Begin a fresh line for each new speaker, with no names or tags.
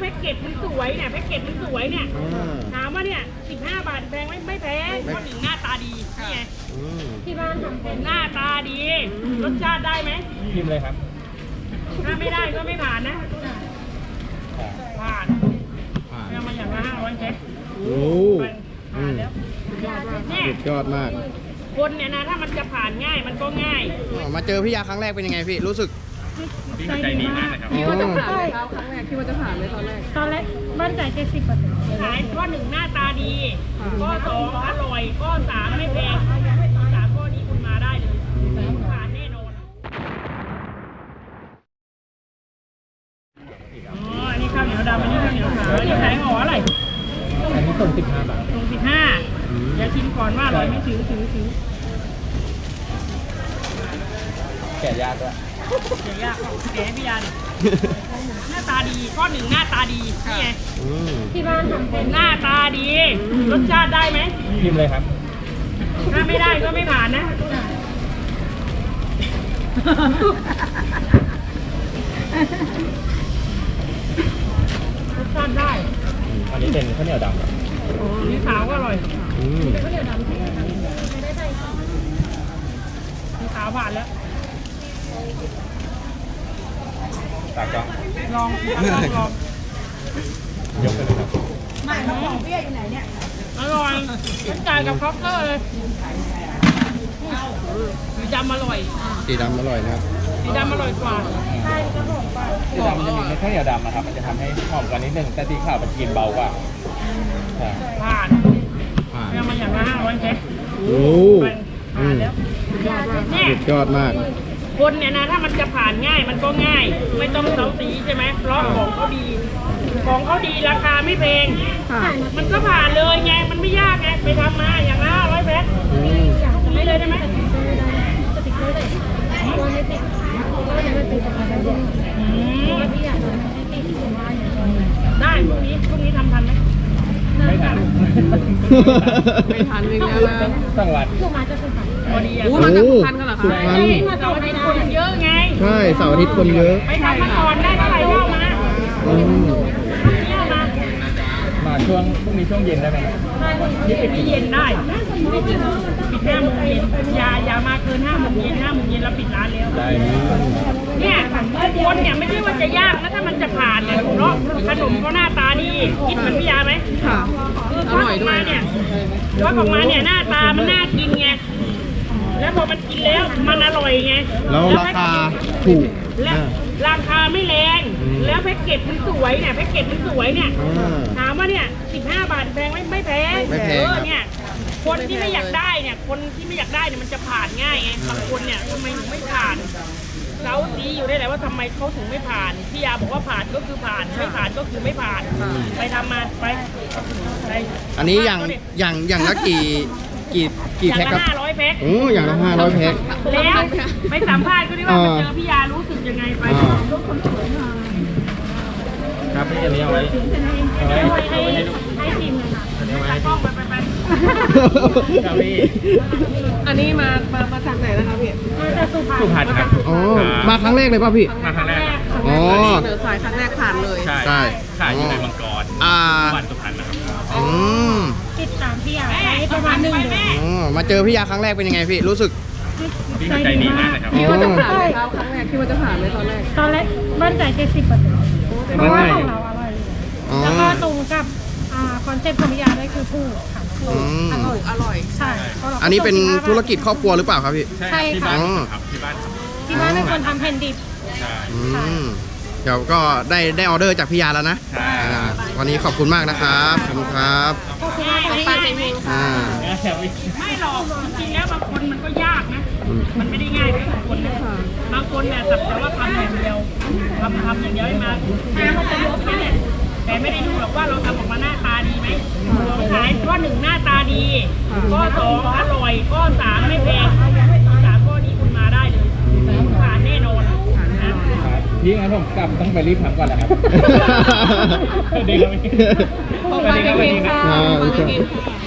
แพ็กเกจมันสวยเนี่ยแพ็กเกจมันสวยเนี่ยถามว่าเนี่ย15 บาทแพงไม่แพงเพราะหนึ่งหน้าตาดีนี่ไงที่บ้านทำเป็นหน้าตาดีรสชาติได้ไหม
ชิมเลยครับ
ถ้าไม่ได้ก็ไม่ผ่านนะผ่านเอามาอย่างละ500แพ็ค
โอ้
ผ่านแล้วเนี่ย
สุดยอดมาก
คนเนี่ยนะถ้ามันจะผ่านง่ายมันก็ง่าย
มาเจอพี่ยาครั้งแรกเป็นยังไงพี่รู้สึก
ใจดีมากเลยครับ
คิดว่าจะผ่านไหมครับครั้งแรกคิดว่าจะผ่านไหมตอนแรก
มั่นใจ70%ขายข้อ1หน้าตาดีข้อ2อร่อยข้อ3ไม่แพง3ข้อนี้คุณมาได้เลยผ่านแน่นอนอันนี้ข้าวเหนียวดำอันนี้ข้าวเหนียวขาวอันนี้ขายห่ออะไร
อันนี้ส่ง15 บาท
ส่ง15เดี๋ยวชิมก่อนว่าอร่อยไม่ถือ
แกะยากด้วย
เดี๋ยวยากแกะให้พี่ยาดิหน้าตาดีข้อ1หน้าตาดีนี่ไงที่บ้านทำเป็นหน้าตาดีรสชาติได้ไหม
ชิมเลยครับ
ถ้าไม่ได้ก็ไม่ผ่านนะรสชาติได้
อันนี้เป็นข้าวเหนียวดำ
นี่ขาวก็อร่อยข้าวเหนียวดำนี่ขาวผ่านแล้ว
ตากล้อง
ลอง
ยกไปเลยครับ
ไม่ของเปี้ยอยู่ไหนเนี่ยอร่อยฉันจ่ายกับครอปเตอร์เลยสีดำอร่อย
สีดำอร่อยนะครับ
สีดำอร่อยกว่าใช่ก็บอกไป
สีดำมันจะมีข้าวเหนียวดำนะครับมันจะทำให้หอมกว่านิดนึงแต่สีขาวมันกินเบากว่า
ผ่านเอามาอย่างละ500แพ็ค
โอ้
ผ่านแล้วเนี่ย
สุดยอดมาก
คนเนี่ยนะถ้ามันจะผ่านง่ายมันก็ง่ายไม่ต้องเซาซีใช่ไหมเพราะของเขาดีราคาไม่แพงมันก็ผ่านเลยไงมันไม่ยากไงไปทำมาอย่างละ500แพ็คไม่เลยได้ไหมได้พรุ่งนี้ทำทันไหม
ไม่ทัน
อีกแล้วนะ
สังวัด
พอดีอ่ะ
มาจากสุพรรณกันเหรอคะ
เสาร์อาทิตย์คนเยอะไง
ใช่เสาร์อาทิตย์คนเยอะ
ไปทำมาก่อนได้เท่าไหร่เล่า
มาช่วงพรุ่งนี้ช่วงเย็นได้ไหม
นี่เย็นได้ปิด5 โมงเย็นอย่ามาเกิน5 โมงเย็น5 โมงเย็นเราปิดร้านแล้ว
ได้
เนี่ยคนเนี่ยไม่ใช่ว่าจะยากนะถ้ามันจะผ่านเนี่ยเพราะขนมเขาหน้าตาดีคิดเหมือนพี่ยาไหม
ค่ะ
อร่อยด้วยเนี่ยทอดออกมาเนี่ยหน้าตามันน่ากินไงแล้วพอมันกินแล้วมันอร่อยไง
แล้วราคาถูก
และราคาไม่แรงแล้วแพ็กเกจมันสวยเนี่ยแพ็กเกจมันสวยเนี่ยถามว่าเนี่ย15 บาทแพงไม่แพงเนี่ยคนที่ไม่อยากได้เนี่ยมันจะผ่านง่ายไงบางคนเนี่ยทำไมถึงไม่ผ่านเขาซีอยู่ได้แหละว่าทำไมเขาถึงไม่ผ่านพี่ยาบอกว่าผ่านก็คือผ่านไม่ผ่านก็คือไม่ผ่านไปทำมาไป
อันนี้อย่างละกี่แพ็คครับ
500แพ็ค
อย่างละ500แพ็ค
แล้วไปสัมภาษณ์ก็ได้ว่าไปเจอพี่ยารู้สึกยังไงไป
ครับพี่อันนี้เอาไว้
ให้ทีมเลยค่ะตากล้องไป
ครับพี่
อันนี้มาจากไหนนะคะพี่
มาจากสุพรรณ
ครับ
มาครั้งแรกเลยป่ะพี่
มาครั้งแรก
เสนอสายครั้งแรกผ่านเลย
ใช่ขายอยู่ในมังกรวันสุพรรณนะครับ
ติดตามพี่ยาได้ประมาณ1 เดือน
มาเจอพี่ยาครั้งแรกเป็นยังไงพี่รู้สึก
ใจดีมากเลยครับ
คิดว่าจะผ่านไหมครับครั้งแรกคิดว่าจะผ่านไหมตอนแรก
มั่นใจ70%เพราะว่าของเราอร่อยแล้วก็ตรงกับคอนเซ็ปต์ของพี่ยาด้วยคือผู้ค่ะ
อร่อย
ใช่
อันนี้เป็นธุรกิจครอบครัวหรือเปล่าครับพี่
ใช่ค่ะที่บ้านเป็นคนทำแผ่นดิบ
เดี๋ยวก็ได้ออเดอร์จากพี่ยาแล้วนะวันนี้ขอบคุณมากนะครับขอบคุณครับ
ไม่หรอกจริงๆแล้วบางคนมันก็ยากนะมันไม่ได้ง่ายทุกคนนะบางคนเนี่ยสักแต่ว่าทำอย่างเดียวทำอย่างเดียวให้มาแต่ไม่ได้ดูหรอกว่าเราทำออกมาหน้าตาดีไหมขายข้อ1หน้าตาดีข้อ2อร่อยข้อ3ไม่แพง3ข้อนี้คุณมาได้เลยผ่านแน่นอน
ยิ่งงั้นผมกลับต้องไปรีบทำก่อนแหละครับเด็กครับ
ไปกินค่ะ